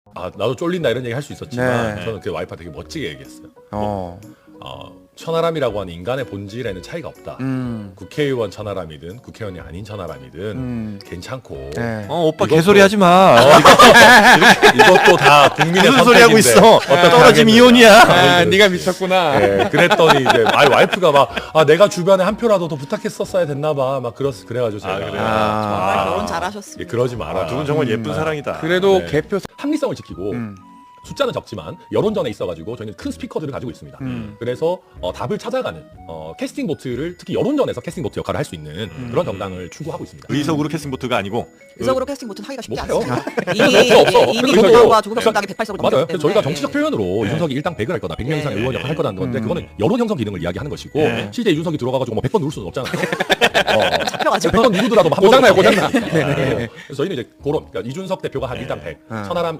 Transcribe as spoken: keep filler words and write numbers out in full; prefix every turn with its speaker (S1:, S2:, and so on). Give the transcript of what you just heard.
S1: 아 나도 쫄린다 이런 얘기 할 수 있었지만
S2: 네.
S1: 저는 그 와이프가 되게 멋지게 얘기했어요.
S2: 어.
S1: 어, 천하람이라고 하는 인간의 본질에는 차이가 없다.
S2: 음.
S1: 국회의원 천하람이든 국회의원이 아닌 천하람이든
S2: 음.
S1: 괜찮고
S2: 네.
S3: 어 오빠
S1: 이것도-
S3: 개소리 하지 마.
S1: 이것도 다 국민의
S3: 무슨 소리 하고
S1: 선택인데
S3: 있어?
S1: 어떻게
S3: 떨어짐
S1: 하겠느냐.
S3: 이혼이야.
S2: 아,
S1: 그렇지.
S2: 네가 미쳤구나.
S1: 예, 그랬더니 이제 아 와이프가 막 아 내가 주변에 한 표라도 더 부탁했었어야 됐나봐 막 그랬 그래가지고 제가
S3: 아, 그래요?
S4: 정말
S2: 아.
S4: 결혼
S1: 예,
S4: 잘하셨습니다.
S1: 그러지 마라.
S3: 아, 두 분 정말 예쁜 사랑이다.
S2: 그래도
S1: 네.
S2: 개표.
S1: 합리성을 지키고
S2: 음.
S1: 숫자는 적지만 여론전에 있어가지고 저희는 큰 스피커들을 가지고 있습니다.
S2: 음.
S1: 그래서 어, 답을 찾아가는 어, 캐스팅 보트를 특히 여론전에서 캐스팅 보트 역할을 할 수 있는
S2: 음.
S1: 그런 정당을 추구하고 있습니다.
S3: 의석으로 캐스팅 보트가 아니고
S4: 의석으로 캐스팅 보트는 하기가 쉽지
S1: 못해요.
S4: 않습니다.
S1: 없어,
S4: 이미
S1: 없어.
S4: 이미
S1: 그래서
S4: 민주당과 조국 정당이 백팔 석을
S1: 맞아요.
S4: 넘겼기
S1: 그래서
S4: 때문에
S1: 저희가 정치적 표현으로
S3: 네.
S1: 이준석이 일당 백을 할 거다, 백 명 이상
S4: 네.
S1: 의원 역할 할 거다는 건데
S2: 음.
S1: 그거는 여론 형성 기능을 이야기하는 것이고
S3: 네.
S1: 실제 이준석이 들어가가지고 뭐 백 번 누를 수는 없잖아요. 어,
S4: 잡혀가지고
S1: 백 번 누르더라도 한
S2: 고장나요,
S1: 번은
S2: 고장나.
S1: 네. 그래서 저희는 이제 그런 그러니까 이준석 대표가 한 일당 백,
S2: 음.
S1: 천하람